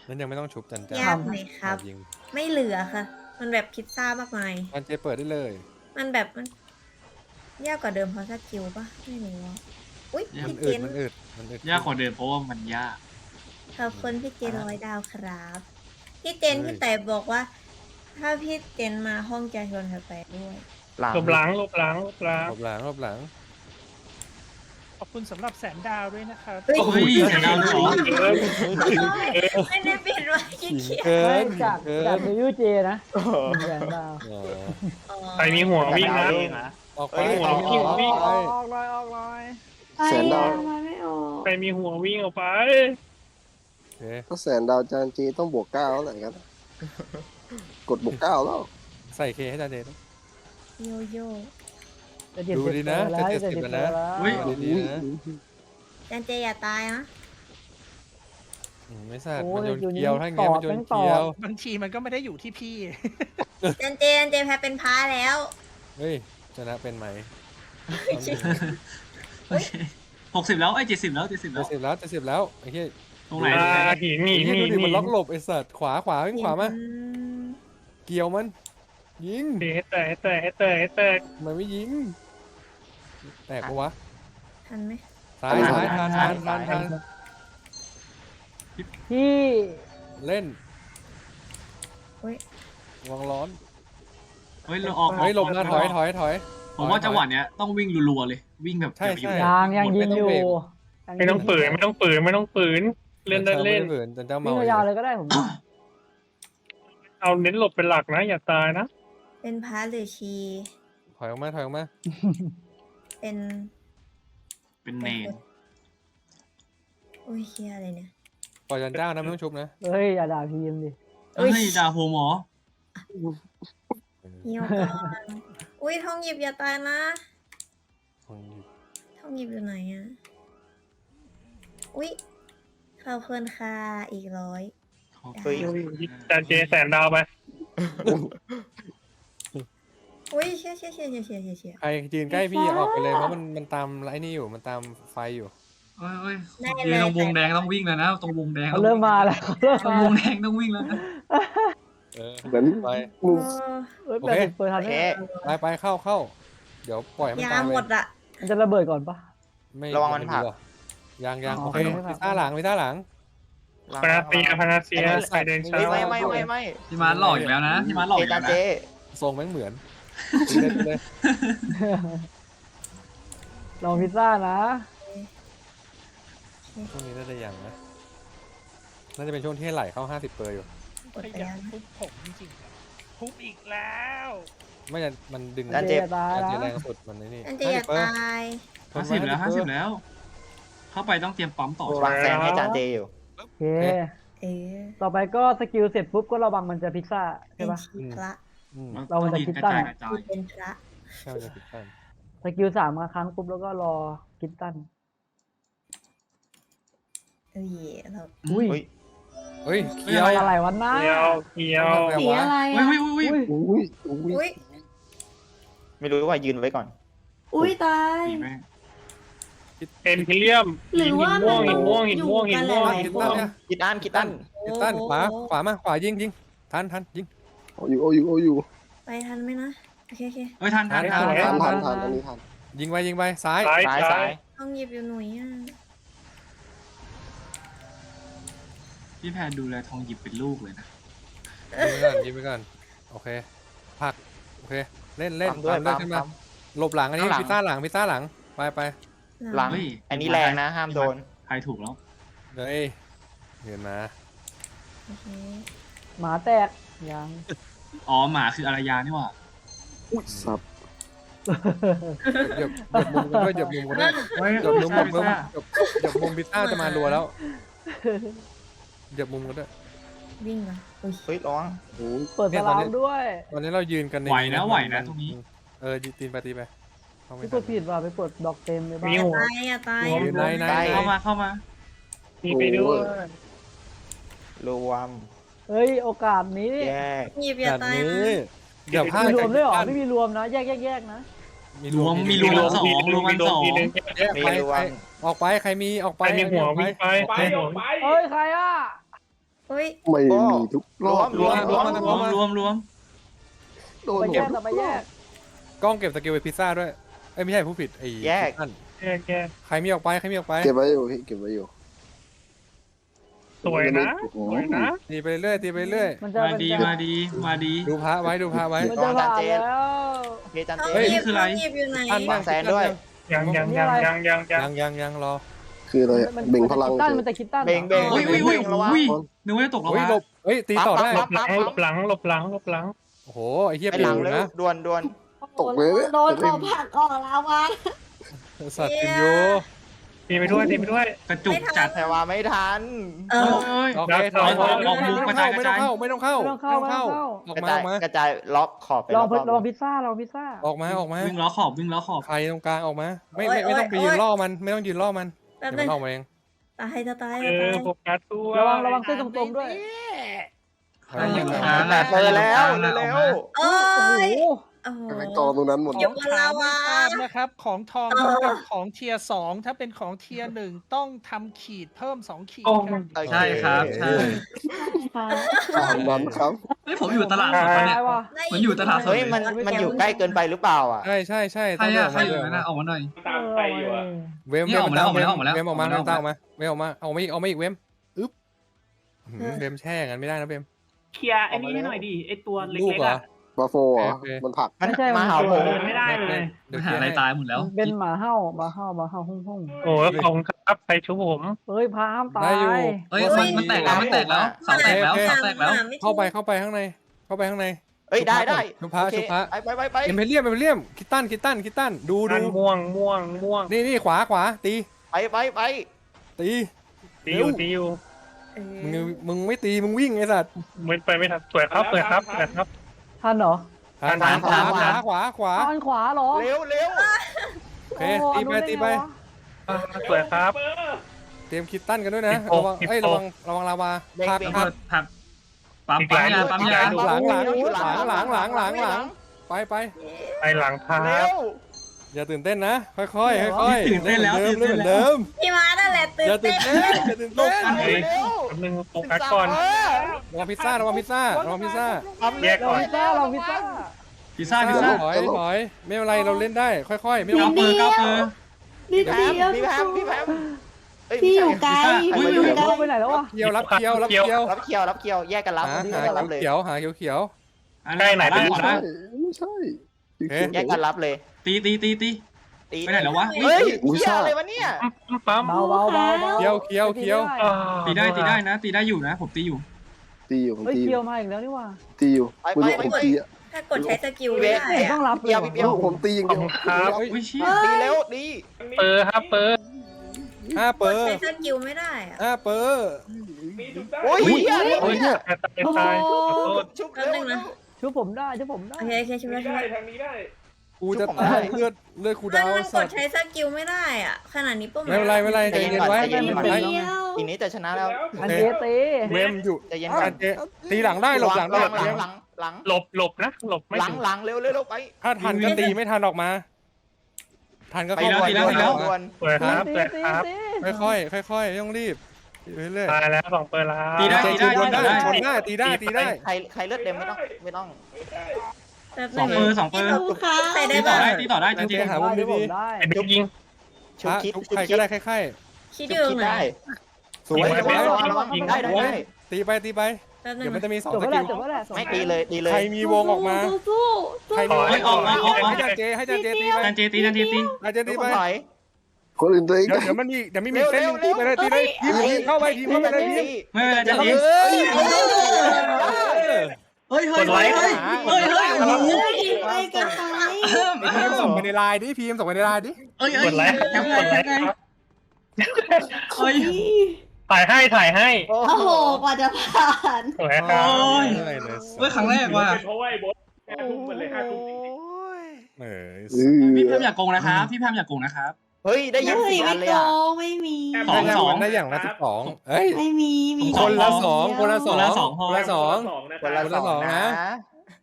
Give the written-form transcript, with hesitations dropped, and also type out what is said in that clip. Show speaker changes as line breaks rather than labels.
นั้นยังไม่ต้องชุบจันเจ้าย
ากไหมครับ
ยิง
ไม่เหลือค่ะ มันแบบพิซซ่ามากมาย
จันเจเปิดได้เลย
มันแบบมันยากกว่าเดิมเพราะสกิลปะไม่รู้อะอุ้ย
มัน
พี่เจ
อึด
น
มันอึดมันอึด
ยากกว่าเดิมเพราะว่ามันยาก
ขอบคุณพี่เจน100 ดาวครับ พี่เจน
เฮ้ย
พี่แต่บอกว่า ถ้าพี่เจนมาห้องจะชวนเธอไปด้วย
หลัง
หลบหลังหลบหลังหลบหลัง
รอบหลังรอบหลัง
ขอบคุณสำหรับ100,000 ดาวด้วยนะครับ
เฮ้ย
เฮ้ยเสียดาวเลยเหรอ
ไม่ได้ปิดไว้ขี้เกียจ
เกิ
ไม่
น
จาก
เกิ
จาก
น
รีวิวเจนะแรงดาว
อ๋อ
อ๋อ
ใครมีหัววิ่งนะ
ออกไป
เอ้ย
ออก
หัววิ่ง
ไป
ออกเลยออกเลย
แสนดาว
มันไม่ออก
ใครมีหัววิ่งออกไป
โอเค
ถ้าแสนดาวจานจีต้องบวก9แล้วแหละครับ กดบวก9แล้ว
ใส่เคให้จันเจนะ
โยโย่
จะเจ็ด
ดู
สิบ
ดีนะ
แล้ว
จะ
จะ
70
70
แล้ว
แล้
นะ
ว
เฮ้ย
ดูดีนะ
จันเจอย่าตายนะ
ไม่สัตว์
โอ้
มัน
ย
โยน
อยู่นี่
เกียวถ้าอย่างเงี้ยมันโยน
ต่อ
เกียว
บางทีมันก็ไม่ได้อยู่ที่พี่
จันเจแพ้เป็นพาแล้ว
เฮ้ยชนะเป็นไหม
60แล้วไอ้ย70แล้ว70
จะ
แล้ว
สิบแล้วจะสิบแล้วไอ้เหี้ย
ตรงไหน
หินหนี
ไอ้
ห
เหี้ย
นี
ดูดิ
หนี
มันล็อกหลบไอ้สัตว์ขวาวิ่งขวามา
อืม
เกี่ยวมัน ยิง
ให้แตกให้แตกให้แตกให้แตก
ทำไมไม่ยิงแตกปะวะ
ทันไหม
ซ้ายซ้ายทาน
ที่
เล่น
อุ้ย
วางร้อน
เฮ้ยเราออก
เฮ้ยหลบมาถอย
ผมว่าจังหวะเนี้ยต้องวิ่งรัวๆเลย วิ่งแบบ
ใช่ใช่
ยังยิงอยู่
ไม่ต้องปืนไม่ต้องปืนไม่ต้องปืนเล่นได้เล่น
เผื่อจันเจ้า
วิ่
เมาง
ยาวๆเลยก็ได้ผม
เอาเน้นหลบเป็นหลักนะ อย่าตายนะ
เป็นพาหรือชี
ถอยออกมา
เป็น
เป็นเนน
อุ้ยเฮียอะไรเนี่ย
ปล่อยจันเจ้านะไม่ต้องชุบนะ
เฮ้ยอย่าด่าพีมดิ
เฮ้ยดาโฮหมอ
เหี่ยวก่อนอุ้ยทองหยิบอย่าตายนะ ทองหยิบอยู่ไหนอะอุ้ยขอบคุณค่ะอีก100
เฮ้ย
จานเจแสนดาวไป
อุ้ยเชี่ย
ใครยืนใกล้พี่ออกไปเลยเพราะมันตามไอ้นี่อยู่มันตามไฟอยู่
เฮ้ยยืนตรงวงแดงต้องวิ่งแล้วนะตรงวงแดง
เขาเริ่มมาแล้ว
ตรงวงแดงต้องวิ่งแล้วนะ
เหมือน
ไป
มึง
เฮ้ย
โอ
แป
เค
ดสิบเปิดทันไหม
ไปเข้าเดี๋ยวปล่อยให้มัน
ยา
ตาย
หมดอะ
มันจะระเบิดก่อนปะ
ไม่
ระวังมันผลัก
ยัง
อ๋อ
โอเค
ไม่ผลัก
พิซซ่าหลัง
พนาเซียใครเดินช้า
ไม่
พี่มาร์ทหลอกอีกแล้วนะพี่มาร์ทหลอกอีก
จา
แล้
น
ว
เจ
นะ
ทรงแม่งเหมือนเลย
ลองพิซซ่านะ
ช่วงนี้น่าจะยังนะน่าจะเป็นช่วงที่ไหลเข้า50 เปอร์อยู่
กด
ข
ไป
ยั
แล้
น
วนะ
ทุบผมจริงๆอะทุบอีกแล้ว
ไม่จะมันดึง
จันเจ
ตาย
จัน
แล้
เจ
ว
แรงสุดมันนี่
จันเจอย่า
50 เปอร์
ตาย
50แล้ว50แล้ว เข้าไปต้องเตรียมปั๊มต่อ
วางแซงให้จานเจอยู่
โอเค
เออ
ต่อไปก็สกิลเสร็จปุ๊บก็ระวังมันจะพิซซ่า
เป็
ใช่
น
ปะ
ชีพระ
เรามันจะคิดตั้ง
กระจาย
คือเป็นพระ
ใช่จะผิดกัน
สกิล3มาครั้งปุ๊บแล้วก็รอคิดตั้น
เอ้ยเรา
อุ้ย
เฮ้ยเคียว
อะไรวะน้า
เกี่ยว
สีอะไร
เฮ้ย
อะ
เฮ้ยเฮ้ย
อุ้ย
อุ้ย
ไม่รู้ว่ายืนไว้ก่อน
อุ้ยตาย
ดีแม่ง
เอ็นพิเลียม
หรือว่ามัน
หินม่วง
อยู่กันหลาย
คิด
ๆค
ตั้น
น
เนี่ย
คิดอันคิดอัน
คิดตั้นขวามาขวายิงทันยิง
โอ้อยู่
ไปทันไหมนะโอเค
เฮ้ยทัน
ทันอันนี้ทัน
ยิงไปซ้าย
ซ้าย
ทองหยิบอยู่หน่วยอะ
พี่แพนดูแลทองหยิบเป็นลูกเลยนะ
ยิงไปก่อนโอเคผักโอเคเล่น
ปั๊มด้วย
ตามขึ้นมาหลบหลังอันนี้พิซซ่าหลังไป
หลัง
เฮ้ย
อันนี้แรงนะห้ามโดน
ใครถูกแล้ว
เฮ้ยเงินมา
โอเค
หมาแตกยัง
อ๋อหมาคืออารยานี่หว่า
อุ้ยสับ
เหยียบมุมกันด้วยเหยียบมุมกันด้วย
เฮ้ย
เหยียบมุม
ใช่ใช่
เหยียบมุมพิซซ่าจะมารัวแล้วเหยียบมุมกันด้วย
วิ่งเหรออุ้ย
เฮ้ยร้องโอ้ย
เปิดสลามด้วย
ตอนนี้เรายืนกันใน
ไหวนะตรงนี้
ตีไปเข้าไม่
พี่ก
ทั
ดผิดว่ะไปกดดอกเต็มเลยบ้า
มีหัว
ตายอย่าตาย
ยืนใน
เข้ามา
มีไปด้วย
รวม
เฮ้ยโอกาสนี้
แยก
หยิบอย่า
แบบ
ตาย
นี้
นะ
เดี๋ยวพลาด
มีรวมด้วยเหรอไม่มีรวมนะแยกนะ
รวมมีรวม สองรวมกันสอง
ทีนึง
มีรวม
ออกไปใครมีออก
ไป
ไป
มีหัววิ่งไป
เฮ้ยใครอ่ะ
โอ้อุ้ย
ไม่มีทุกรอบ
รวมโดน
ไปแยกแต่ไปแยก
กล้องเก็บสกิลไปพิซซ่าด้วยเอ้ยไม่ใช่ผู้ผิดไอ้
แยก
นั่น
แก
ใครมีออกไปใครมีออกไป
เก็บไว้อยู่พี่เก็บไว้อยู่
สวยนะสวยนะ
ตีไปเรื่อยตีไปเรื่อย
มันจะ
มาดีมาดีมาดี
ดูพระไว้ดูพระไว้
มันจะผ่านแล้ว
เพจัน
เอา
เจ
หยิบ
คืออะไร
เอาหยิบอยู่ไหน
ท่านบ้าง
แซนด้วย
ยัง
รอ
คืออะไรเบ่งพลัง
คิดตั้นมันจะคิดตั้น
เบ่งเบ่ง
อุ้ยอุ้ยอุ้ยอุ้ยนึกว่าจะตกแล้ว
เฮ้ยหลบเฮ้ยตีต่อได้
หลบหลังหลบหลัง
โอ้โหไอ้เหี้ย
ไป
ปิ
หลั
ว
งเลย
นะ
ด่วนด่วน
ตกเลย
โดนตัวผักออกแล้ววะ
สัตว์ปินอยู่
ตีไปด้วย
กระจุกจัด
แต่ว่าไม่ทัน
เออ
เอ้ย
โอเคถอยไม่ต้องเข้าออก
กระ
มา
จาย
ออกมาก
ระจายล็อกขอบไป
ลอง
รอบ
ลองพิซซ่าลองพิซซ่า
ออกมาออกมา
วิ่งล้อขอบวิ่งล้อขอบ
ใครตรงกลางออกมาไม่ต้องไปยืนล่อมันไม่ต้องยืนล่อมัน
แป๊บ
เดี๋ยว
นึ
มัน
ง
ออกมาเอง
ตายจะตาย
เอ
จะ
อ
ตาย
โฟกัสตัว
ระวังเส้นตรงๆด้วย
แต่เปิดแล้วเร็ว
โอ้
โอ้โห
ยโอ้โห
ไปกองตรงนั้นหมด
เดี๋ยวบนลาวา
นะครับ ของทอง
เออ
กับของเทียร์2ถ้าเป็นของเทียร์1ต้องทำขีดเพิ่ม2ขีด
โอ้
ครับ
ๆ
ใช่ครับใช่
ตามนั้นครับ
เฮ้ยผมอยู่ตลาดสดปะเนี่ย
ตายว่ะ
มันอยู่ตลาดสด
เฮ้ยมันอยู่ใกล้เกินไปหรือเปล่าอ่ะ
ใช่ใช่
ใคร
ต้อง
อะใคร
เดิ
อยู่
น
นั่นนะออกมาหน่อย
ตามไปอยู่อะ
เวม
นี่ออกมาแล้วออกมาแล้วออกมาแล้ว
เวมออกมา
ออกมาแล้ว
เวมออกมาเวมออกมาเอาไม่อีกเวมอึ๊บเวมแช่งั้นไม่ได้นะเวม
เคลียร์ไอ้นี่ให้หน่อยดิไอ้ตัวเล็
ลูก
ก
เหรอ
ๆอ่ะ
บาโฟเหรอมันผลัก
มัน
ไม่ใช่
มาหาผม
ไม่ได้เลย
เดี๋ยว
หาอะไรตายหมดแล้ว
เป็นหมาเห่าหมาเห่าหมาเห่าหุ่งหุ่ง
โอ้ยขอบคุณครับใครชุบผม
เฮ้ยพามตา
ได้
ย
อยู่
เฮ้ยมันแตกแล้วมันแตกแล้วเสาแตกแล้วเสาแตกแล้ว
เข้าไปข้างใน
เฮ้ยได้
ชุบพระ
โอเค
ชุบพระ
ไป
เอ็มเพรียมคิตตันดู
ม่วง
นี่ขวาตี
ไป
ตี
ตีอยู่
มึงไม่ตีมึงวิ่งไอ้สัตว์
มันไปไม่ทันสวยครับ
ทันเหรอ
ขวา
ทันขวาเหรอ
เร็ว
โอเคตีไป
สวยครับ
เตรียมคิตตันกันด้วยนะระวังลาวาพัก
ผักปั๊มยา
ไป
ไปหลังครับ
เร็ว
อย่าตื่นเต้นนะค่อย
ตื่นเต้นแล้ว
เหมือนเดิม
พี่มานั่นแหละตื่
อย่าน ตื่
เต้
น
น
เต้นอย่าตื่นเต้น
เร็ว
แป๊บนึงโฟกัสก่อน
ระวังพิซซ่า
แยก
ล
ก่
อ
อง น
พิซซ่าลองพิซซ่า
พิซซ่า
ถอยไม่เป็นไรเราเล่นได้ค่อยๆไม่ต้อง
นิดเดียวนิด
แพ
เดียว
พี่แพม
พี่อยู่ไกลพี่อยู่ไกล
ไปไหนแล้ววะ
เกี่ยวรับเกี่ยว
รับเคียวแยกกันรับ
หา
รับเลย
เขียวหาเขียว
ได้ไหนเป็น
ไม่ใช่ไม่ใช่
แยกกันรับเลย
ตี ไปไหนแล้ววะ
เฮ้ยเคียวอะไรวะเนี่ย
ปั๊ม
เบา
เขียว
ตีได้นะตีได้อยู่นะผมตีอยู่
ตีอยู่ผม
เฮ้ย
ตีอ
เคียว
ยู่
มาอีกแล้วนี่ว่า
ตีอยู่คุณผมตีอ่ะ
ถ้ากดใช้สกิลไม่ได้
ต้อง
อะ
รับเลย
เคียว
ผมตีอย่างเดียว
ครับ
อุ้ยเชี่ย
ตีเร็วดี
เปอร์ครับเปอร์
5 เป
ก
อ
ด
ร์
ใช้สกิลไม่ได้อะ
5 เปอร์
โอ้ย
โอ้ยเนี่ย
ตายขอโทษ
ชุบเร็ว
ช่วยผมได้
โอเคช่วยได้
กูจะตายเลือดกูดาว
มันก
สั
ด
ตว์
ใช้สกิลไม่ได้อะขนาดนี้ปุ๊บ
ไม่เป็นไรใจเย็นไว้
นิดเดียว
อีนี้จะชนะแล้ว
อันเจเต
เวมอยู่
ใจเย็นก่อน
ตีหลังได้หลบหลังได้
หลัง
หลบนะหลบไม่ถึง
หลังเร็วไป
ถ้าทันก็ตีไม่ทันออกมา ทันก็
ไป
เข้า
แล้ว
ไป
ด่วน
สวยครับ
ค่อยไม่ต้องรีบเรื่อย
ตายแล้ว2เปอร์แล้ว
ตีได้ชนได้ตีได้
ใครเลือดเต็มไม่ต้อง
แป๊บ
สองเปอร์
ใส่ได้
ตีต่
ปะ
อได้ตีต่อได้จริง
หามุมดี
ได้
ไอ้บิ๊กยิง
ชุบคิด
ใครก็ได้ค่อย
คิดอยู่ไหน
ได้
ๆสวย
ยิงได้
ตีไป
แป๊บนึ
เดี๋ย
ง
วมันจะมี2
จบ
ส
แล้ว
กิล
ไม่ตีเลย
ใครมีวงออกมา
สู้
ใครมีให้จานเจตีไป
จันเจตี
จานเจตี
ไป
ไป
คนอื่นตัวเอง
เดี๋ยวมันมีเส้นตีไปเลยทีมเข้าไปทีมเข้าไปเลยทีม
ไม่เป็นไรจันเจเฮ้ย
กดไลค์
ๆไปกันไป
พีมส่งไปในไลน์ดิพีมส่งไปในไลน์ดิ
กดไลค์ครับกดไลค์ครับ
เฮ้ย
ถ่ายให้
โอ้โหกว่าจะผ่าน
สวยครับ
เฮ้ยครั้งแรกว่ะ
เพราะว่าไอ้บอส5 ทุ่ม
พี่แพมอยากโกงนะครับพี่แพมอยากโกงนะครับ
เฮ้ยได้ยิน
เฮ้ย
เสีย
ไม่
งเลย
โก
อ่ะ
งไม่มี
ได้อย่างละ12เอ้ย
ไม่มี
คนละ2
คนละ
คนละ2
คนละสองนะ